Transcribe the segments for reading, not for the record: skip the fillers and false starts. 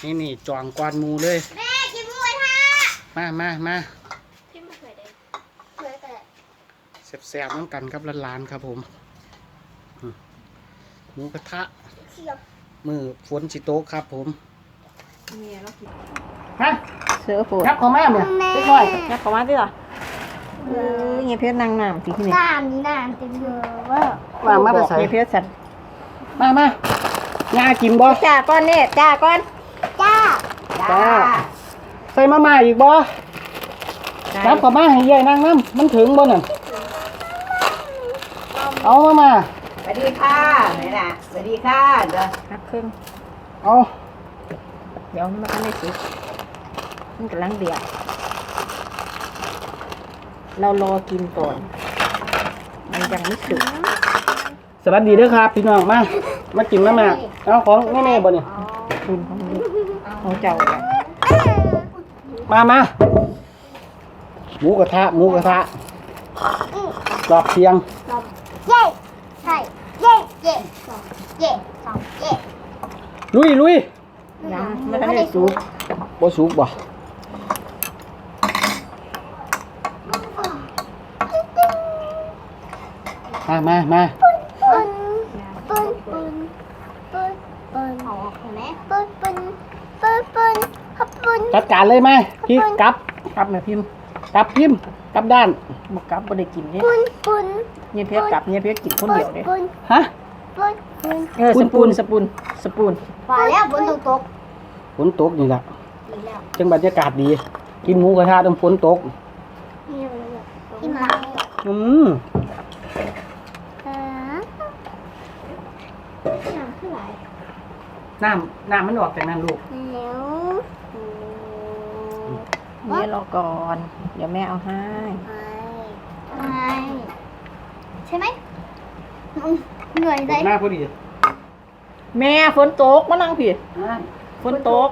นี่จองกวนหมูเลยแม่กินหมูกระทะมากินมะเขือแดงเขือแต่แซ่บๆน้ำกันครับร้านๆครับผมหมูกระทะเขียวมือฝนสิโต๊ะครับผมฮะเสือปวดยับเข้ามาเนี่ยเล็กน้อยยักเข้ามาดิล่ะเงี้ยเพชรนางน้ำที่นี่น้ำนี่น้ำเต็มเยอะเว่าว่ามาแต่ใส่เงี้ยเพชรสัตว์มาย่ากินบ่จ้าก้อนเนี่ยจ้าก้อนจ้าจ้าใส่มาม่าอีกบ่ยับเข้ามาให้ยายนั่งน้ำมันถึงบ่น่ะเอามาสวัสดีค่ะนี่นะสวัสดีค่ะเด้อหักครึ่งเอาเดี๋ยวมันไม่สุกมันกำลังเดือดเรารอกินก่อนมันยังไม่สุกสวัสดีเด้อครับพี่น้องมากินมาม่าเอาของแม่ๆบ่เนี่ยคุณของมันของเจ้าเลยมาหมูกระทะรอบเที่ยงเย่ใช่เย่เย่สองเย่สองเย่ลุยยังไม่ทันได้สุกบ่สุกบ่มาปนเอาออกไหมปนขับปนจัดการเลยไหมพี่กลับแม่พิมพ์กลับด้านบกกลับบ่ได้กินเนี่ยปนเงี้ยเพชรกลับเงี้ยเพชรกินคนเดียวเลยฮะปนสปูนว่าแล้วฝนตกฝนตกนี่แหละดีแล้วจังบรรยากาศดี กินหมูกระทะต้องฝนตกกินมาอืมน้ำขึ้นไหลน้ำมันออกจากนั้นลูกแล้วเนี่ยรอก่อนเดี๋ยวแม่เอาให้ไม่ใช่ไหมเหนื่อยใจหน้าพอดีแม่ฝนตกมานั่งผิดฝนตก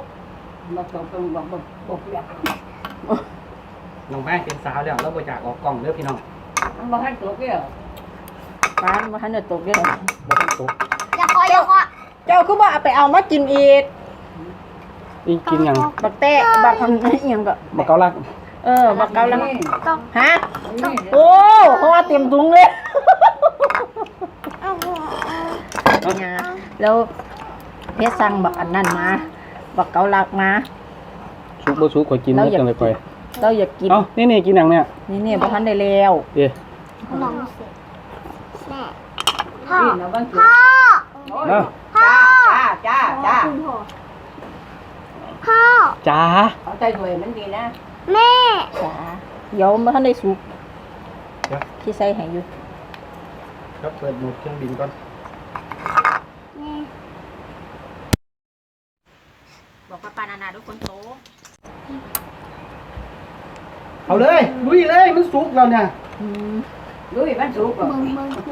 น้องแม่เป็นสาวแล้วเราบ่อยากออกกล้องเด้อพี่น้องมันบ่ทันตกเด้อร้านมาทันจะตกเด้อบ่ต้องตกอย่าคอยเจ้าคือว่าเอาไปเอามากินอีกนี่กินหยังบักแตะบักอันนี้ยังก็บ่เกาลักบักเกาลังต้องฮะโอ้เพราะว่าเต็มถุงเลยแล้วเพชรสั่งบักอันนั้นมาบักเกาลักมาสุกบ่สุกข่อยกินหมดจังเลยข่อยเราอยากกินเอ้านี่กินหยังเนี่ยนี่บ่ทันได้แล้วเด้น้องเสร็จแม่พ่อนี่นะบ้านพ่อเนาะจ้าพ่อจ้าเอาใจด้วยมันดีนะแม่จ้าเดี๋ยวบ่ทันได้สุกที่ใส่ให้อยู่ครับเปิดโหมดเครื่องบินก่อนบอกป้านาทุกคนโตเอาเลยลุยเลยมันสุกแล้วเนี่ยลุยบ้านสุกบ่มึง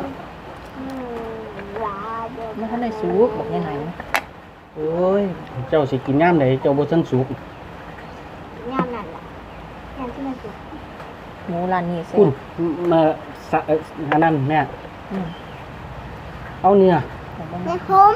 ลาเดินบ่ทันได้สุกบอกยังไงโอ้ยเจ้าสิกินย่ามไหนเจ้าบ่ทันสุกงานนั่นแหละงานที่มันสุดหมูร้านนี้เสร็คุณจมาสะอันนั้นแม่เอาเนื้อแม่ผม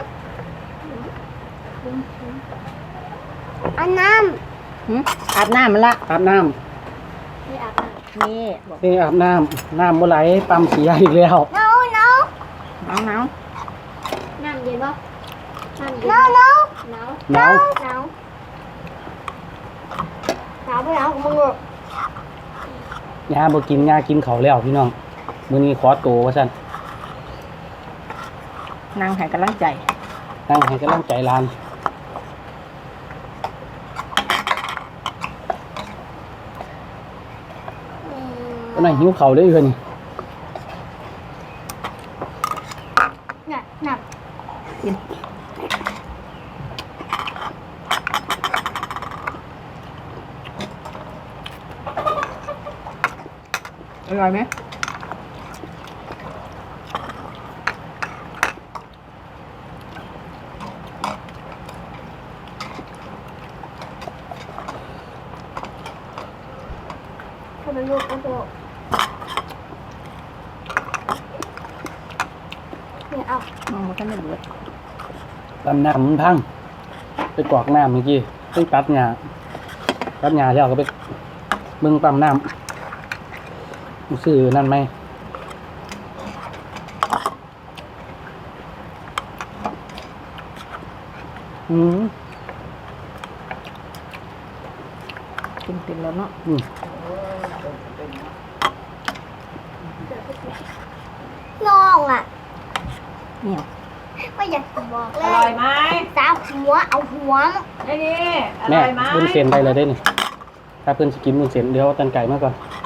อันน้อาบน้ำมันละอาบน้ำำที่อาบน้ำนี่บอกนี่อาบน้ำบ่ไหลปั๊มเสียอีกแล้วหนาวหนาวน้ำเย็นปะน้ำเย็นหนาวหนาวหนาวหนาวหนาวไม่หนาวของมึงหรอกยาบ่กินยากินเขาวแล้วพี่น้องมื้อนี้ขอโตว่าซั่นนางให้กำลังใจนั่งให้กำลังใจหลานก็นั่งหิวข้าวเลยเพิ่นน่ะน่ะกินอร่อยไหมทำไมลูกก็โตเนี่ยเอามันก็ไม่เบิดตำน้ำมันพังไปกรอกน้ำเมื่อกี้เพิ่งตัดหญ้าแล้วก็ไปเบิ่งปั๊มน้ำซื้อนั่นไหมอืมกินเป็นแล้วเนาะอืมน้องอ่ะเนี่ยไม่อยากจะบอกเลอร่อย ยไหมสาวหัวเอาหัวนี่นี่อแม่ร่อยไหมบุญเส้นไปเลยได้นี่ถ้าเพื่อนสกินบุญเส้นเดี๋ยวเอาตันไก่มาก่อน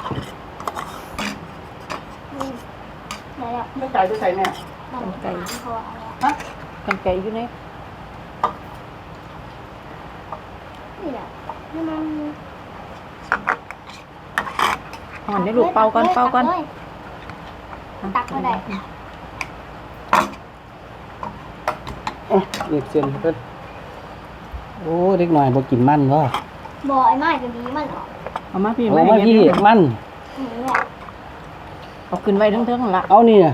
ไหนอ่ะตันไก่จะใส่แม่น้องไก่เขาเอาฮะกันไก่อยู่ในนี่แหละนี่มันห่อนได้ลูกเป่าก่อนเป่าก่อนตักมาได้อ่ะเรียกเส้นเพิ่นโอ้เด็กหน่อยบ่กินมันวะบ่อยมากจะดีมันออกเอามาพี่เอามาพี่มันนี่แหละเอาขึ้นไว้เทิงๆละเอาเนี่ย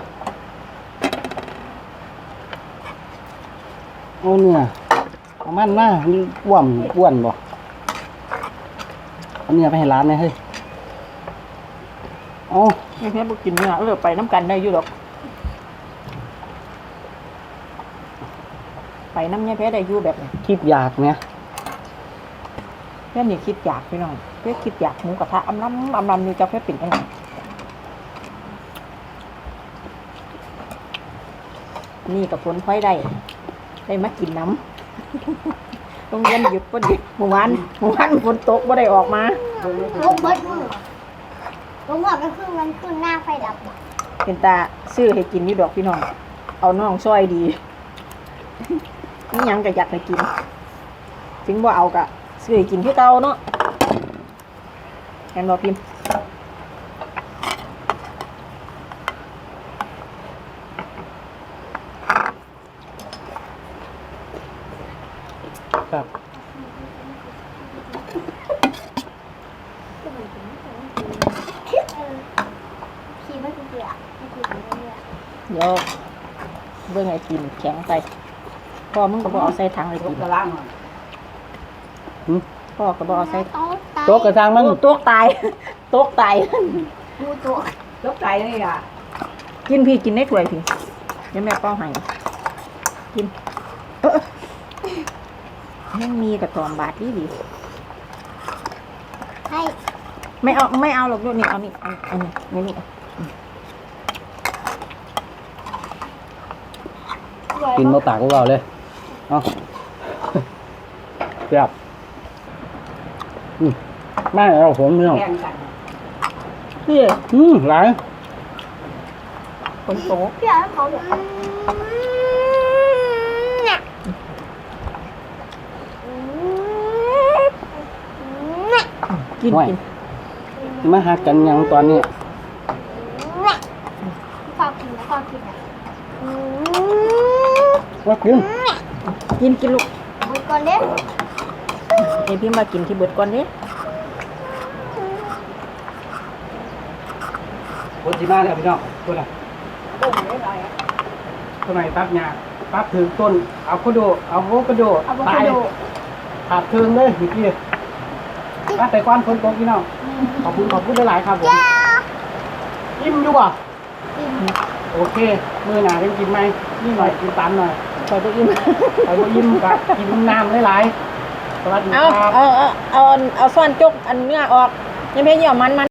เอาเนี่ยเอามันมานี่อ้วนบ่เอาเนี่ยไปให้ร้านเลยเฮ้ยเอาไม่แพ้บุกินเนื้อเลือกไปน้ำกันได้อยู่ดอกไปน้ำเนี่ยแพ้ได้อยู่แบบนี้คิดอยากเนี่ยแพ้นี่คิดอยากพี่น้องแพ้คิดอยากหมูกระทะอำลำอยู่จะแพ้ปิ่นยังไงนี่กับฝนพลอยได้มากินน้ำ โรงเรียนหยุดพอดีเมื่อวานฝนตกไม่ได้ออกมาลูกเบิดมือลูกหัวก็คือมันขึ้นหน้าไฟดับเป็นตาซื้อให้กินนี่ดอกพี่น้องเอาน้องซอยดีนี่ยังก็อยากให้กินถึงว่าเอากะซื้อให้กินที่เก่าเนาะแอนบอกพิมพ์ครับขี่ไม่เบื่อไม่ขี่ไม่เบื่อเดี๋ยวเบิ่งไอ้กินแข็งไปพ่อมึงก็บอกเอาใส่ถังเลยลูกิกนกระลังหน่อยพ่อก็บอกเอาใส่โต๊ะกระซังมันโต๊ะตาย โต๊ะตายดูตัวลูกไก่นี่อ่ะกินพี่กินได้ถ้วยพี่เดี๋ยวแม่เป้าให้กินยังมีกระตอมบาทดีให้ไม่เอาหรอกลูกนี่เอานี่เอานี่นี่กินมาตากพวกเราเลยเอาเรียบไม่เอาผมไม่เอาแข่งกันพี่หลายคนโตพี่เอาเขาแบบเนี่ยกินมาหากันยังตอนนี้ข้าวกินข้าวกินอ่ะว่ากินกินลูกหมดก่อนเด้เดี๋ยวพี่มากินที่เบิดก่อนนี้คนที่มาแล้วพี่น้องคนไหนต้มนิดหน่อยคนไหนตัดหญ้าตัดถึงต้นเอาโคโดเอาโวคาโดอะโวตาคาย โดขาดเทิงเลยเมื่อกี้ตัดแต่ก้อนฝนตกพี่น้องขอบคุณหลายๆครับผมยิ้มอยู่ป่ะโอเคมือหนาได้กินไหมนี่หน่อยกินตันหน่อยใส่ไปอิ่มไปบ่ยิ้มกับกินน้ำหลายๆสวัสดีเอาครับเอาซ่อนจกอันเนื้อออกยังเพียงเหยี่ยวมัน